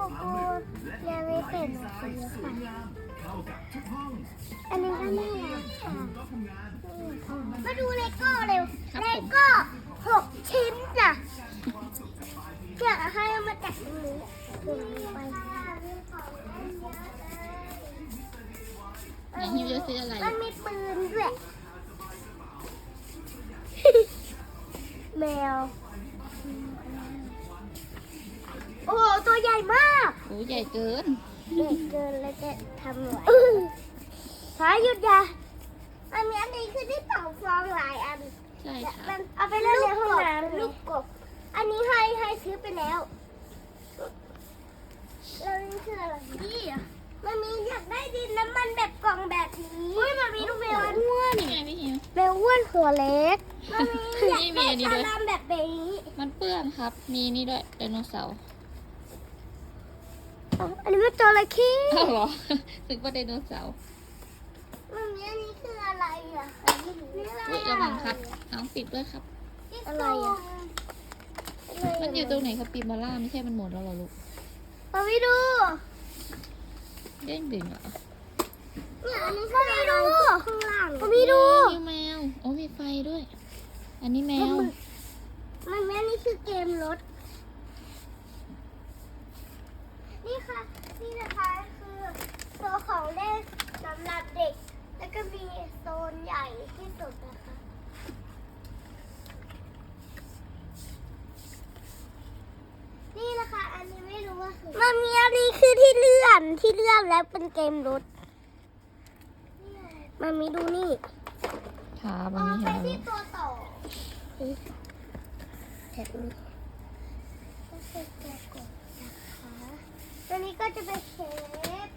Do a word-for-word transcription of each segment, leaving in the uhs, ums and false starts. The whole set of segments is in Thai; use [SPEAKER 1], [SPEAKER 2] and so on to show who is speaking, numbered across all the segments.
[SPEAKER 1] กูยังไม่เสร็จเลยค่ะอันนี้ก็น่ารักค่ะมาดูเลโก้เร็วเลโก้หกชิ้นจ้ะอยากให้เอามาจากตรงนี้ไป
[SPEAKER 2] ไหนฮิวจะซื้ออะไร
[SPEAKER 1] มันมีปืนด้วย แมว โอ้โหตัวใหญ่มาก
[SPEAKER 2] โอ้ใหญ่เกิน
[SPEAKER 1] ใหญ่เกินแล้วจะทำไหวพายุดยาอันนี้อันนี้คือที่เป่าฟองหลายอัน
[SPEAKER 2] ใช่ค่ะ
[SPEAKER 1] มันเอาไปเล่นในห้องน้ำลูกกบอันนี้ให้ให้ซื้อไปแล้วแล้วนี่คืออะไรนี่อ่ะมันมีอยากได้ดินน้ำมันแบบกล่องแบบนี้เฮ้ยมันมีลูกแมวอ้วน
[SPEAKER 2] นี่ไงพี่ฮิว
[SPEAKER 1] แมวอ้วนหัวเล็กมันมีอยาก
[SPEAKER 2] นี่มี
[SPEAKER 1] ได้
[SPEAKER 2] อันนี้ด้วย
[SPEAKER 1] ตาดำแบบนี้
[SPEAKER 2] มันเปื้อนครับ มีนี่ด้วยไดโนเสาร์
[SPEAKER 1] อ๋ออันนี้มันจระเข้
[SPEAKER 2] อ้าวเหรอ นึกว่าไดโนเสาร์
[SPEAKER 1] มันมีอันนี้คืออะไรอ่ะอันนี้คืออะไร
[SPEAKER 2] อุ้ยระวังครับน้องปิดด้วยครับ
[SPEAKER 1] อะไรอ่ะ
[SPEAKER 2] มันอยู่ตรงไหนครับปีมาล่าไม่ใช่มันหมดแล้วเหรอลูก
[SPEAKER 1] มาไปดู
[SPEAKER 2] เด้งดึงเหรอ
[SPEAKER 1] เนี่ยอันนี้คืออะไรข้างล่างมาไปดู
[SPEAKER 2] นี่แมวโอ้มีไฟด้วย อันนี้แมว
[SPEAKER 1] มันแม่นี่คือเกมรถ นี่ค่ะ นี่นะคะคือตัวของเล่นสำหรับเด็ก แล้วก็มีโซนใหญ่ที่สุดนะคะ นี่นะคะ อันนี้ไม่รู้ว่าคือมันมีอันนี้คือที่เลื่อนที่เลื่อนแล้วเป็นเกมรถ มันมีดูนี่
[SPEAKER 2] ครับ
[SPEAKER 1] อ๋
[SPEAKER 2] อั
[SPEAKER 1] อน
[SPEAKER 2] นี้
[SPEAKER 1] ไป
[SPEAKER 2] เห็น
[SPEAKER 1] ที่
[SPEAKER 2] แล้ว
[SPEAKER 1] ตัวต่อแบบนี้ก็คือตัวกดนะคะตัวนี้ก็จะเป็นเชฟ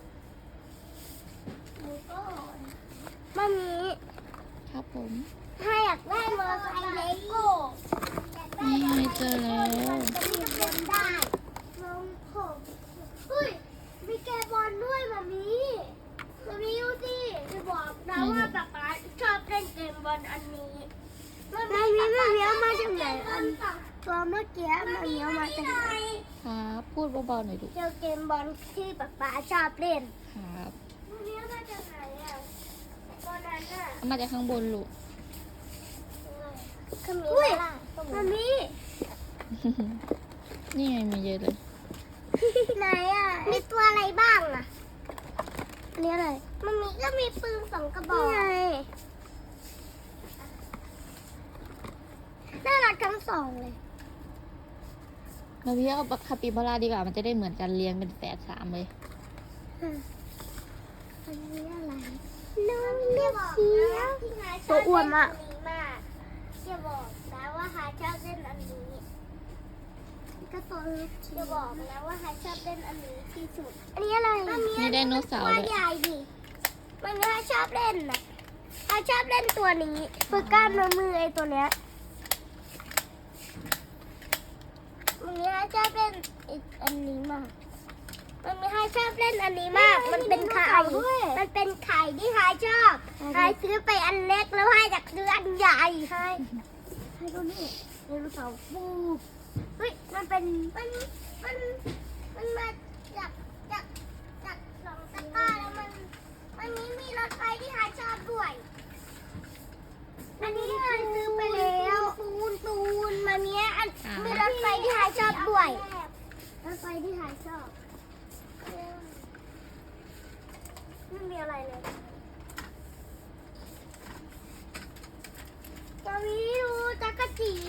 [SPEAKER 1] แล้วก็มันมี
[SPEAKER 2] ครับผม
[SPEAKER 1] ถ้าอยากได้มอเตอร์ไซค์เลโก้อยากได้
[SPEAKER 2] นี่
[SPEAKER 1] มอ
[SPEAKER 2] ไง
[SPEAKER 1] เต
[SPEAKER 2] เจ
[SPEAKER 1] อ
[SPEAKER 2] อ
[SPEAKER 1] ร์ไซ
[SPEAKER 2] แล้ว
[SPEAKER 1] ค์จะมีบอลได้ลงผมอุ้ยมีแกบอลด้วยมามีมามีดูสิจะบอกนะว่าป๊าป๊าชอบเล่นเกมบอลอันนี้มันมีมันมีเอามาจากไหนอันตัวเมื่อกี้มันมีเอามาจากไหน
[SPEAKER 2] ครับพูดเบาๆหน่อยลูก
[SPEAKER 1] เจอเกมบอลที่ป๊าป๊าชอบเล่น
[SPEAKER 2] ครับ
[SPEAKER 1] มันมีเอามาจากไหนอ่ะบอลนั้นอ่ะ
[SPEAKER 2] เอามาจากข้างบนลูก
[SPEAKER 1] อุ้ยมันมี
[SPEAKER 2] นี่ไงมีเยอะเลย
[SPEAKER 1] ไหนอ่ะ มีตัวอะไรบ้างอ่ะอันนี้อะไร มันมีก็มีปืนสองกระบอกนี่ไงน่ารักทั้งสองเลย
[SPEAKER 2] เราพี่เอาคาปิบาร่าดีกว่า มันจะได้เหมือนกันเรียงเป็นแฝดสามเลย
[SPEAKER 1] อันนี้อะไร น้องเลี้ยเสียตัวอ้วนมากจะบอกนะว่าฮาชอบเล่นอันนี้ก็ตัวเล็กจะบอกนะว่าฮาชอบเล่นอันนี้ที่สุด อันนี้อะไร
[SPEAKER 2] มีไดโนเสาร์
[SPEAKER 1] ตัว
[SPEAKER 2] ด้วย
[SPEAKER 1] ใหญ่ดิมันฮาชอบเล่นนะฮาชอบเล่นตัวนี้ฝึกกล้ามเนื้อมือไอ้ตัวเนี้ยมันฮาชอบเล่นอีกอันนี้มาก มันมีใครชอบเล่นอันนี้มาก มันเป็นไข่ มันเป็นไข่ที่ใครชอบใครซื้อไปอันเล็กแล้วให้จากซื้ออันใหญ่ใช่ให้ดูนี่ไดโนเสาร์ปูเฮ้ย มันเป็น มัน มัน มันมาจากจากจากสองตะกร้าแล้วมัน มันนี้มีรถไฟที่ใครชอบด้วย อันนี้ใครซื้อไปแล้วปูนปูนมาเนี้ยอันมีรถไฟที่ใครชอบด้วย รถไฟที่ใครชอบ ไม่มีอะไรเลยตอนนี้ดูจักรจี